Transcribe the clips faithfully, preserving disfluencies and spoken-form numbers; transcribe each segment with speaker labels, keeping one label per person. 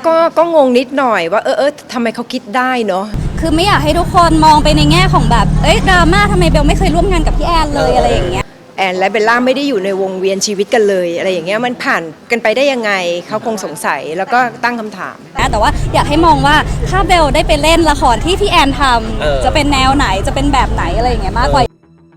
Speaker 1: ก็ก็งงนิดหน่อยว่าเออเออทำไมเขาคิดได้เนาะ
Speaker 2: คือไม่อยากให้ทุกคนมองไปในแง่ของแบบเอ้ยดราม่าทำไมเบลไม่เคยร่วมงานกับพี่แอนเลยอะไรอย่างเงี้ย
Speaker 1: แอนและเบลล่าไม่ได้อยู่ในวงเวียนชีวิตกันเลยอะไรอย่างเงี้ยมันผ่านกันไปได้ยังไงเขาคงสงสัยแล้วก็ตั้งคำถาม
Speaker 2: นะแต่ว่าอยากให้มองว่าถ้าเบลได้ไปเล่นละครที่พี่แอนทำจะเป็นแนวไหนจะเป็นแบบไหนอะไรอย่างเงี้ยมากกว่า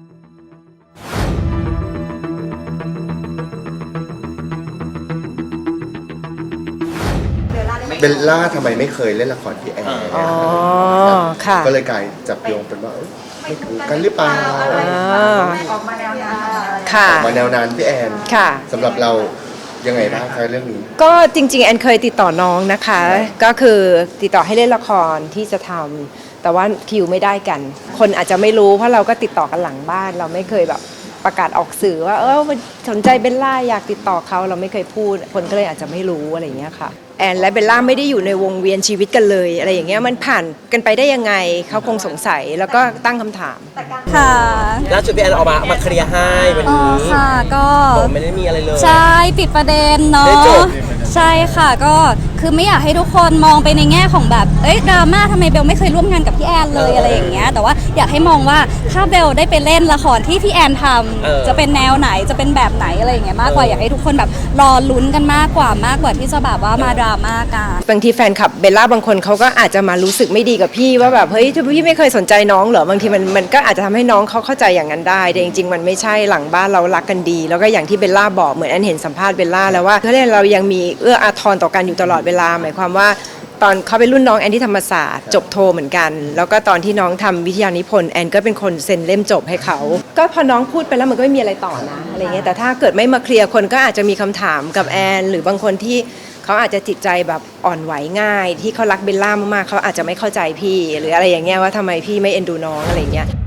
Speaker 3: เบลล่าทำไมไม่เคยเล่นละครพี่แอนอ๋อ
Speaker 1: ค่ะ
Speaker 3: ก็เลยกลายจับโยงเป็นว่าไม่ถูกกันหรือเปล่า
Speaker 1: ออกมาแนวนั้นค่ะ
Speaker 3: ออกมาแนวนั้นพี่แอน
Speaker 1: ค่ะ
Speaker 3: สำหรับเรายังไงบ้างคะเรื่องนี้
Speaker 1: ก็จริงๆแอนเคยติดต่อน้องนะคะก็คือติดต่อให้เล่นละครที่จะทำแต่ว่าคิวไม่ได้กันคนอาจจะไม่รู้เพราะเราก็ติดต่อกันหลังบ้านเราไม่เคยแบบประกาศออกสื่อว่าเออสนใจเบลล่าอยากติดต่อเขาเราไม่เคยพูดคนก็เลยอาจจะไม่รู้อะไรอย่างเงี้ยค่ะแอนและเบลล่าไม่ได้อยู่ในวงเวียนชีวิตกันเลยอะไรอย่างเงี้ยมันผ่านกันไปได้ยังไงเขาคงสงสัยแล้วก็ตั้งคำถาม
Speaker 2: ค่ะ
Speaker 4: ล่าสุดพี่แอนออกมามาเคลียร์ให้วันนี้
Speaker 2: ค่ะก็
Speaker 4: ไม่ได้มีอะไรเลย
Speaker 2: ใช่ปิดประเด็นเนาะใช่ค่ะก็คือไม่อยากให้ทุกคนมองไปในแง่ของแบบเอ้ยดราม่าทำไมเบลไม่เคยร่วมงานกับพี่แอนเลยอะไรอย่างเงี้ยแต่ว่าอยากให้มองว่าถ้าเบลได้ไปเล่นละครที่พี่แอนทำจะเป็นแนวไหนจะเป็นแบบไหนอะไรอย่างเงี้ยมากกว่าอยากให้ทุกคนแบบรอลุ้นกันมากกว่ามากกว่าที่จะแบบว่ามาดราม่ากัน
Speaker 1: บางทีแฟนคลับเบลล่าบางคนเขาก็อาจจะมารู้สึกไม่ดีกับพี่ว่าแบบเฮ้ยพี่ไม่เคยสนใจน้องเหรอบางทีมันมันก็อาจจะทำให้น้องเขาเข้าใจอย่างนั้นได้แต่จริงๆมันไม่ใช่หลังบ้านเรารักกันดีแล้วก็อย่างที่เบลล่าบอกเหมือนแอนเห็นสัมภาษณ์เบลล่าแล้วว่าเขาเรียกเรายังมีเอื้ออาทรต่อกันอยู่ตลอดเวลาหมายความว่าตอนเขาเป็นรุ่นน้องแอนที่ธรรมศาสตร์จบโทเหมือนกันแล้วก็ตอนที่น้องทำวิทยานิพนธ์แอนก็เป็นคนเซ็นเล่มจบให้เขาก็พอน้องพูดไปแล้วมันก็ไม่มีอะไรต่อนะอะไรเงี้ยแต่ถ้าเกิดไม่มาเคลียร์คนก็อาจจะมีคำถามกับแอนหรือบางคนที่เขาอาจจะจิตใจแบบอ่อนไหวง่ายที่เขารักเบลล่ามากๆเขาอาจจะไม่เข้าใจพี่หรืออะไรอย่างเงี้ยว่าทำไมพี่ไม่เอ็นดูน้องอะไรเงี้ย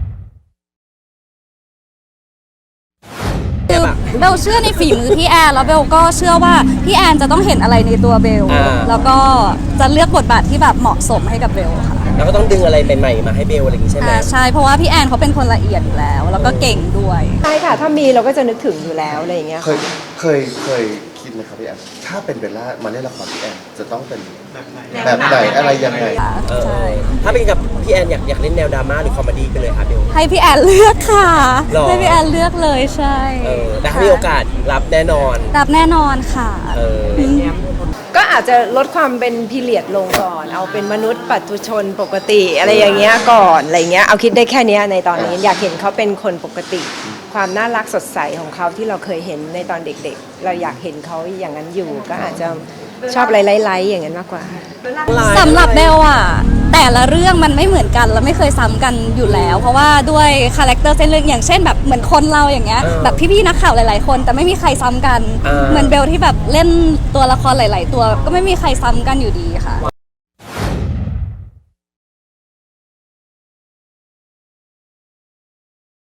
Speaker 2: คือเบลเชื่อในฝีมือพี่แอนแล้วเบลก็เชื่อว่าพี่แอนจะต้องเห็นอะไรในตัวเบลแล้วก็จะเลือกบทบาทที่แบบเหมาะสมให้กับเบลค่ะ
Speaker 4: แล้วก็ต้องดึงอะไรใหม่ๆมาให้เบลอะไรอย่างงี้ใช่ไหม
Speaker 2: ใช่เพราะว่าพี่แอนเขาเป็นคนละเอียดอยู่แล้วแล้วก็เก่งด้วย
Speaker 1: ใช่ค่ะถ้ามีเราก็จะนึกถึงอยู่แล้วอะไรอย่างเงี้ย
Speaker 3: เคยเคยเคยคิดไหมครับพี่แอนถ้าเป็นเบลล่ามาเล่นละครพี่แอนจะต้องเป็นแบบไหนอะไรยังไง
Speaker 2: ใช่
Speaker 4: ถ้าเป็นกับพี่แอนอยากอยากเล่นแนวดราม่าหรือคอมเมดี้ไปเลยค่ะเบล
Speaker 2: ให้พี่แอนเลือกค่ะให้พี่แอนเลือกเลยใช่
Speaker 4: แต่ถ้ามีโอกาสรับแน่นอน
Speaker 2: รับแน่นอนค่ะ
Speaker 1: ก็อาจจะลดความเป็นพีเรียดลงก่อนเอาเป็นมนุษย์ปัจจุชนปกติอะไรอย่างเงี้ยก่อนอะไรเงี้ยเอาคิดได้แค่นี้ในตอนนี้อยากเห็นเขาเป็นคนปกติความน่ารักสดใสของเขาที่เราเคยเห็นในตอนเด็กๆเราอยากเห็นเขาอย่างนั้นอยู่ก็อาจจะชอบไล่ๆอย่างนั้นมากกว่า
Speaker 2: สำหรับเบลอะแต่ละเรื่องมันไม่เหมือนกันและไม่เคยซ้ำกันอยู่แล้วเพราะว่าด้วยคาแรคเตอร์เส้นเรื่องอย่างเช่นแบบเหมือนคนเราอย่างเงี้ยแบบพี่ๆนักข่าวหลายๆคนแต่ไม่มีใครซ้ำกันเหมือนเบลที่แบบเล่นตัวละครหลายๆตัวก็ไม่มีใครซ้ำกันอยู่ดีค่ะ